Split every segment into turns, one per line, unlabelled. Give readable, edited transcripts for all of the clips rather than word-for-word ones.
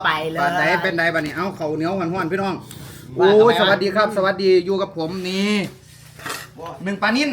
ไปเลย
เป็นไดบัดนี้เอาเขาเหนียวห้อนๆพี่น้องโอ้ยสวัสดีครับสวัสดีอยู่กับผมนี่หนึ่งปลานิ่น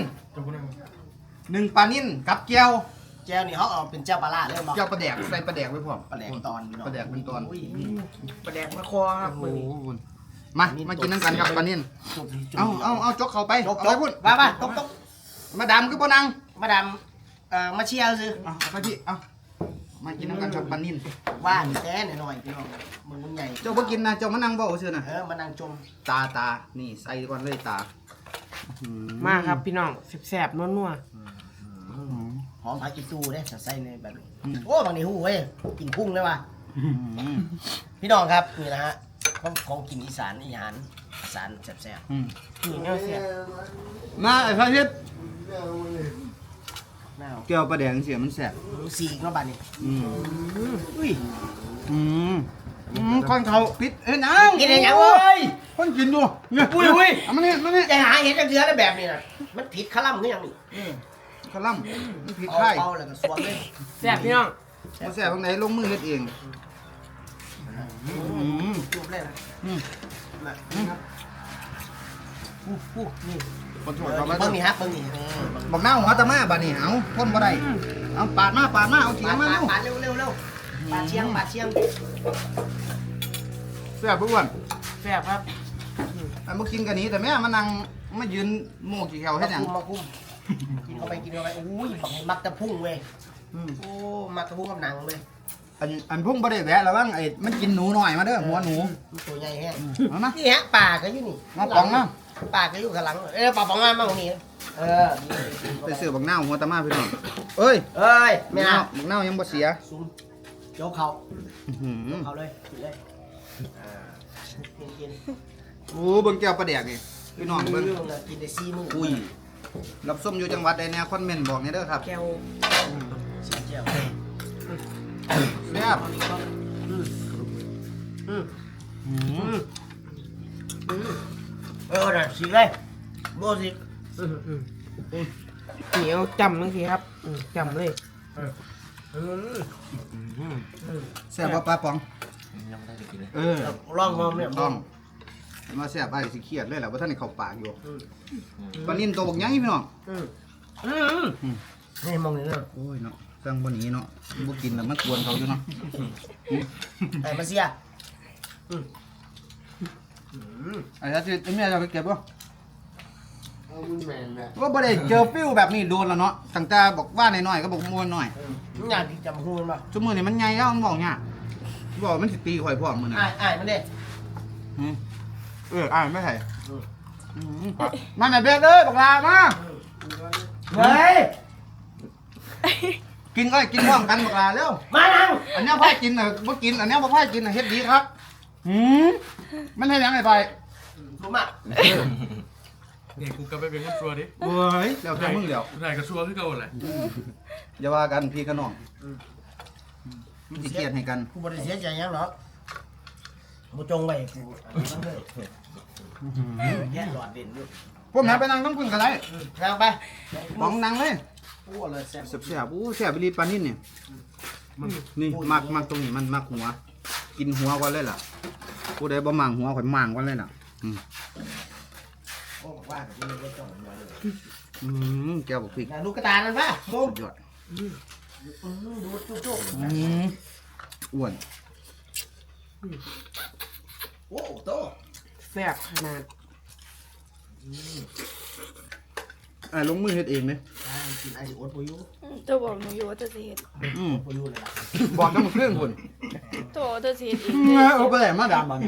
กับเจียว
นี่เขาเอาเป็นเจ้าปลาล่าเรื่องบอก
เจียวปลาแดกใส่ปลาแดกไว้พร้อม
ปลาแดกตอน
ปลาแดกเป็นตอน
ปลาแดกมาคอครับ
โอ้มากินน้ำกันครับปลานิ่นเอาจกเข้าไปเอาไปพูด
มาตก
มาดำคือปนัง
มาดำมาเชียร์ซื้อ
เอาไปพี่เอามากินน้ำกันครับปลานิ่น
ว่านแท้หน่อยพี่น้องมึงใหญ่
เจ้าบ่กินนะเจ้ามานั่งเบ้าซื่อนะ
มานั่งจม
ตานี่ใส่ก่อนเลยตา
มาครับพี่น้องแซ่บๆนัว
หอมผักอีตูได้ใส่ในแบบนี้โอ้บางทีหูเว้ยกินพุ่งเลยว่ะพี่น้องครับนี่นะฮะของกินอีสานอีสานแซ่บ
นี่เนื้อเสีย
มาไอ้พระทิศเกี่ยวปลาแดงเสียมันแซ่บ
สีกแล้วบ้านนี้
คนเขาปิดนัง
กินอะไรอย่างเว้ย
คนกินดูเนี่ยมาเนี่ย
จะหาเห็ดเชื้อได้แบบนี้นะมันผิดคลั่มคือยังนี่
คลั่มมันผิดไข่
เอาแล้วก็สวมเลย
แซ่บพี่น้อง
มาแซ่บตรงไหนลงมือเฮ็ดเอง
จุ่มเลยนะนี่
คนถอด
เบิ้งนี่ฮะเบิ้งนี่
บอกหน้าหัวตะมาบ้านี่เอาพ่นบ่ได้เอาปาดมาเอาเถียงมา
ปาดเร็วปาดเชียง
แซ่บอ้วน
แซ่บครับ
มากินกันนี้แต่แม่มานั่งมายืนโม่กี่แถวให้ยัง
มาคุ้มกินเข้าไปอุ้ยบักมักตะพุ่งเว้ยโอ้มักตะพุ่งกับหนังเลย
อันพุ่งบ่ได้แวะแล้วบ้างไอ้มันกินหนูหน่อยมาเด้อหัวหนู
ตัวใหญ่แฮะ
มา
นี่ฮะป่าก็อยู่นี่
มาป๋องนะ
ป่าก็อยู่ข้างหลังป่าป๋องมาตรงนี้
ไปซื้อบักหน้าหัวตะมาพี่น้องเอ้ย
ไม่เอา
บักหน้ายังบ่เสีย
ซุ่มโยกเขาเลยกินเลยกิน
โอ้เบิ่งแก้วปลาแดกนี่พี่น้องเบิ่ง
กินได้4 มื้อ
อุ้ยรับส้มอยู่จังหวัดใดแน่คอมเมนต์บอกนี่เด้อครับ
แก้ว
เจียว
แซ่บ
น่ะสิเลยโบสิ
เหนียวจำทั้งทีครับจำเลย
แซ่บปลาป๋อง
ลองมองเนี่ย
ลองมาแซ่บไปสิเครียดเลยแหละว่าท่านนี่เข้าปากอยู่ปลานิ่นตัวบักใหญ่พี่น้อง
นี่มองนี่เนาะ
โอ้ยเนาะสั่งบ่หนีเนาะบ่กินแล้วมันกวนเขาอยู่เนาะ
มาเสีย
ไอ้ท่านที่แม่จะไปเก็บบ่ว่าบ่ได้เจอฟิวแบบนี้โดนแล้วเนาะตั้งแต่บอกว่าน้อยๆก็บอกมวนหน่อย
อยากจำหูมันป่ะ
ชั่วโมงนี้มันใหญ่แล้วมันบอกเนี่ยบอกมันสิตีข่อยพร้อมมื้อนั้น
มันเด้
ไม่ใช่มาแม่เบ็ดเลยบักลามา
เฮ้ย
กินก็กินพร้อมกันบักลาเร็ว
มานั่ง
อันนี้พ่อกินน่ะบ่กินอันนี้บ่พ่อกินน่ะเฮ็ดดีครับมันให้ยังไงไป
ผมอ่ะ
เนี่ยกูกลับไปเป็นคนชัวดิ
เฮ้ยแล้วแต่มึงเดี๋ยว
ไหนก็ชัวคือเก่าแหละ
อย่าว่ากันพี่กับน้องมันสิเกลียดให้กัน
กูบ่ได้เสียใจยังหรอกกูจงไว้กูแย่หลอดเด่นด้วย
พวกแม่ไปนั่งต้องพึ่งกันไร
นั่งไป
มองนั่งเลย
โอ้เลยแซ่บ
แซ่บโอ้แซ่บไปรีปานิ่นเนี่ยนี่มักตรงนี้มันมักหัวกินหัวก่อนเลยล่ะผู้ใดบ่มั่งหัวข่อยมั่งก่อนเลยล่ะ
โอ้ว่าแบบนี้ไม่ต้องหัว
เลยแก้วบอกพริก
ลูกกระตานั่นป่ะ
สุดยอด
ดูจุ๊บ
อ้วน
โอ้โต
แซ่บขนาด
ลงมือเฮ็ดเองเลย
กินไอซิโอตปุยุ
ตัวบอกหนูอยู่ว่าจะเสียด
ปุยุเลยล่ะ
บอกต้องเครื่องคน
ตัวจะเสียดอีก
เอาไปไหนมาดามบ้าง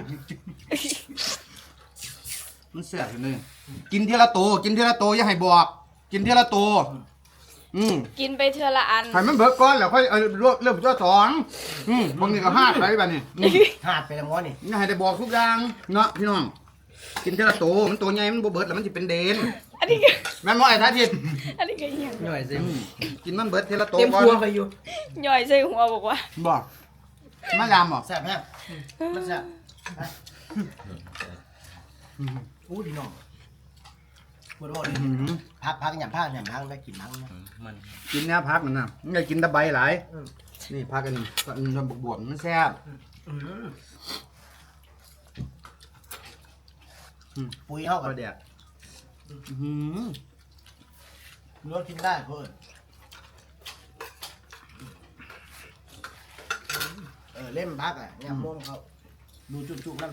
มันแซ่บเลยกินทีละโตอย่าให้บอกกินทีละโต
กินไปเทื่อละอัน
ให้มันเบิกก่อนแล้วค่อยเริ่มตัว2บางทีก็5ไปแบบนี้
5ไปแล้วง้อนี่
อย่าให้ได้บอกทุกอย่างเนาะพี่น้องกินทีละโตมันตัวใหญ่มันบ่เบิดแล้วมันสิเป็นเดน
อันนี้ก็
แม่นบ่ไอ้ท่าทิศ
อันนี้ก็เหี้ย
ย่อยสิ
กินมันเบิดทีละโต
ก่อนเต็มครัวไปอยู่
ย่อยใส่หัวบอกว่า
บ่มายามบ่
แซ่บฮะมันแซ่บอู้ดีน้องพูดว่าพักอย่างพักได้กินพัก
มันกินเนี้ยพักมันน่ะมันจะกินตะไบหลายนี่พักกันบวบมันแซ่บ
ปุ๋ยเข้า
ป
กั
ลาน แดก
รสกินได้เพื่อนเล่มพักอ่ะเนี่ยม่วงเขาดูจุกๆนั่น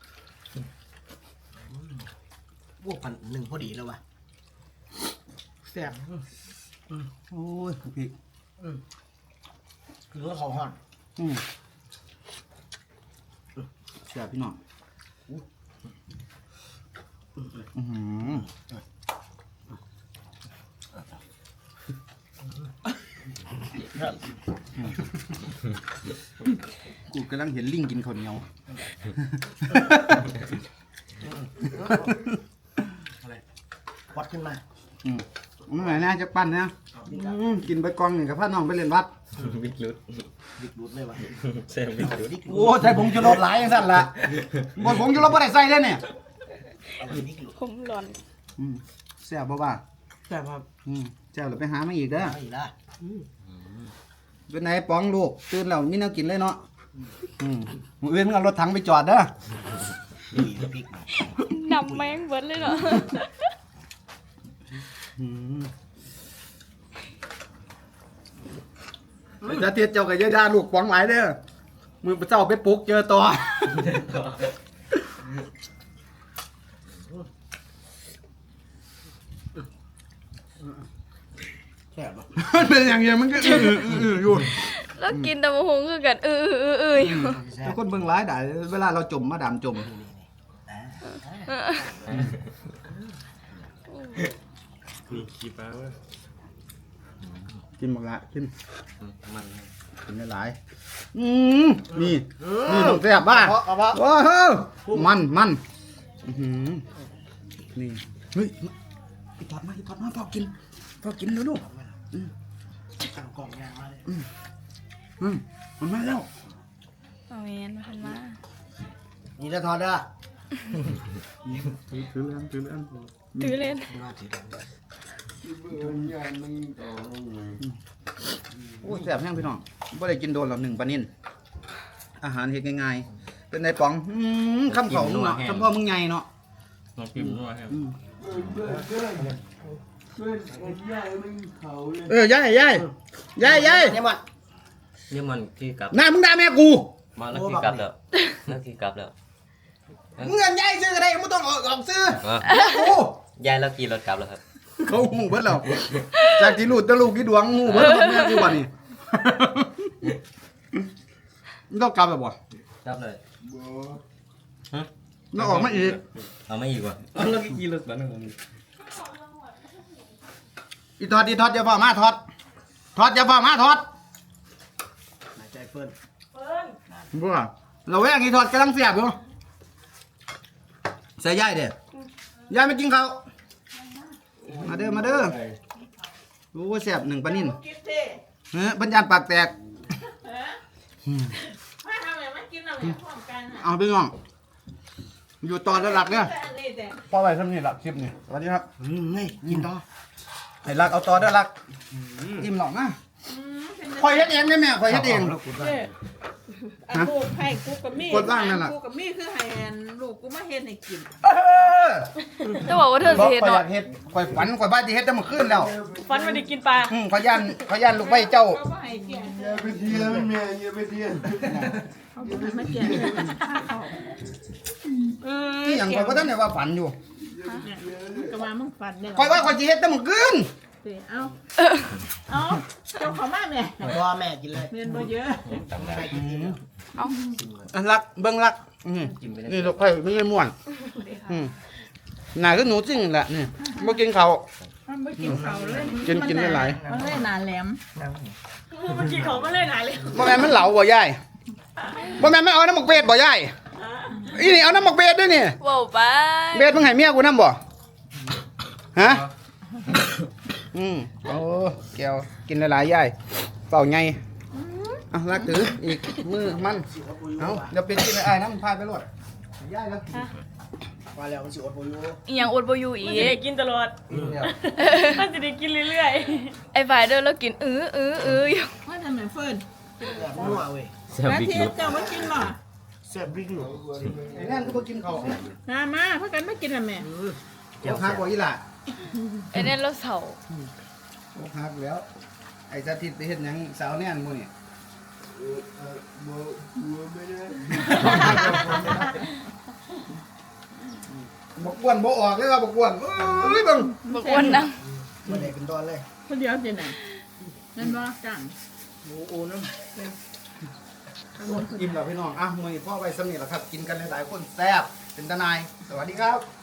พวกพันหนึ่งพอดีแล้ววะ
แซ่บ
โอ้ยพี่
คือเขาห่อน
เสียพี่น้องอื้อหือกูกำลังเห็นลิงกินข้าวเหนียว
วัดขึ้นมา
มันไหนนะจะปั้นนะกินไปกองหนึ่งกับพ่อน้องไปเล่นวัด
บิ๊กลุด
ดิกดูดเลยวะ
เส้นบิ๊กลุด
ดิกดู
โอ้ใส่ผงชูรสหลายอย่างสั่นละบนผงชูรสไม่ได้ใส่เลยเนี่ย
ดิกดูด
ผมร้อน
แซ่บบ่บ่า
แซ่บครับ
แซ่บเราไปหามาอีกเด้อ
เอาอีกละ
เป็นไงป้องลูกตื่นแล้วมีแนวกินเลยเนาะมื้ออื่นมึงเอารถถังไปจอดเด้อ
ดุยพริก
นำแมงเบิดเลยเนาะ
จะเทียดเจ้ากับยายดาลูกป้องหลายเด้อมือเจ้าไปปลุกเจอต่อ
แซ่บปะ
มันเป็นอย่างเงี้ยมันก็อยู่
แล้วกินตะมะฮงคือกันอยู่
ทุกคนเบิ่งร้ายได้เวลาเราจมมาดามจม
มีขี้ปลาเว้ย
กินหมดละกิน
มัน
กินได้หลายนี่ต้องแซ่บบ้า
เอาปะ
ว้าวมันนี่เฮ้ยอีทอดมาพอกินแล้วลูก
สั่งกล่องยางมาเลย
มันมาแล้ว
เอาเวนมาทันมา
นี่จะทอดเด้อ
ถือเรื่อง
ถือเล่น
มาถือ
โอ้แซ่บแห้งพี่น้องบ่ได้กินโดนหรอก1ปลานิ่นอาหารเฮ็ดง่ายๆเป็นไงป๋องคำเขามึงเนาะคำพ่อมึงใหญ่เนาะ
น้องพิมพ์ด้วยครับ
ยาย
เนี่ยมัน
นี่มันที่กลับ
หน้ามึงด่าแม่กู
มาแล้วที่กลับแล้วแล้วที่กลับแล้ว
มึงเงินยายซื้ออะไรมึงต้องออกซื้อ
อ่ะ
แม่กู
ยายแล้วกี่รถกลับแล้วครับ
เขาหูเบิดแล้วจากที่ลูดตะลูกที่ดวงหูเบิดแม่กูวันนี้มึงต้องกลับแล้วบ่
กลับเลย
แล้วออกมาอีก
เอาไม่อีกว่ะแล้วกี่รถบ้างผม
อีทอดอย่าฝ่ามาทอดอย่าฝ่ามาทอด
หายใจเปิ้ล
บ่เราแวงอีทอดกำลังเสียบอยู่ใส่ยายเด้ยายไม่กินข้าวมาเด้อรู้ว่าเสียบ1ปลานิ่นบรรยานปากแตก
มาทำไมมากินอะไรพร้อมกันอ่ะ
เอาพี่น้องอยู่ต่อระลักเนี่ย
แต่อันนี้แต่
พอไว้ทำนี่หลักคลิปนี่สวัสดีครับ
นี่กินต่อ
ให้รักเอาต่อเด้อรักอิ่มหรอกนะคอยเฮ็ดเองได้แม่คอยเฮ็ดเอง
อันลูกให้กูกับมี่
กดว่างนั่นล่ะ
กูกับมี่คือให้อันลูกกูมาเฮ็ดให้กิน
จะบอกว่าเธอ
บอก
สิเฮ็ด
คอยอ
เนาะ
ยากเฮ็ดคอยฝันคอยบ้านที่เฮ็ดแต่เมื่อคืนแล้ว
ฟันมาได้กินปลา
คอยย่านลูกไปเจ้า
เขาก็ให้เกี่ย
ไปเที่ยวแม่อย่าไปเที่ยว
เขาก็ให้มาเกี่ย
ที่หยังคอยบ่ทันได้ว่าฝันอยู่
ก็มามึงฝันได้
คอยว่าคอยสิเฮ็ดแต่เมื่อคืน
เอาเจ้าเขามาแม่
พ่อแม่กินเลย
เรียนบ่เยอะ
ตำนาน
อันรักเบิ่งรักนี่ลูกไผ่ไม่ใช่ม่วนหน้าคือหนูจริงแหละนี่บ่กินข้าว
มันไม่กินเขาเลย
กินได้หลาย
มันเลยหนาแหลม
เมื่อกี้เขามาเล่นหายเลย
บ่แม่นมันเหลาบ่ยายบ่แม่นมันเอาน้ำหมกเป็ดบ่ยายอีนี่เอาน้ำหมกเป็ดด้วยนี่
ว้าวไป
เบ็ดมึงให้เมียกูนำบ่ฮะโอ้แก้วกินหลายๆยายเป่าไงอ่ะรักถืออีกมือมันเอาเดี๋ยวเป็นกินไอ้ายน้ำพายไปรถยายแล้ว
มาแล้วมันสิอดบ่อยู่
อีหยังอดบ่อยู่อี
มันจะได้
ก
กินตลอดมันจะได้กินเรื่อย
ไอ้ฝ่ายเดินแล้วกินอยู่
ว่าทำไมเฟิร์น
นัวเว้ย
เส้น
แล้ว
บิ๊ก
ที่
ลุด
เจ้ามากินบ่
แซ่บบิ๊กหนู
ไอ้นั่นก็บ่กินข้าว
มาเพื่อกันไม่กินอ่ะแม่
เจ้าฮักบ่อีหล่ะ
ไอ้เนี่ยเราเสา
โอ้ฮักแล้ว ไอ้สาธิตไปเฮ็ดหยังสาวแน่นมื้อนี่บ่กวนบ่ออกเลยว่าบ่กวนเอ้ยเบิ่ง
บอกอ้วนนะ
มาได้เป็นตอนเลย
คนเดียวเจนไหนนั่นว่าจัง
โอ้น้ำอิ่มแล้วพี่น้องอ่ะมื้อนี้พ่อไว้สำนี้ล่ะครับ กินกันหลายๆคนแซ่บเป็นตาหนายสวัสดีครับ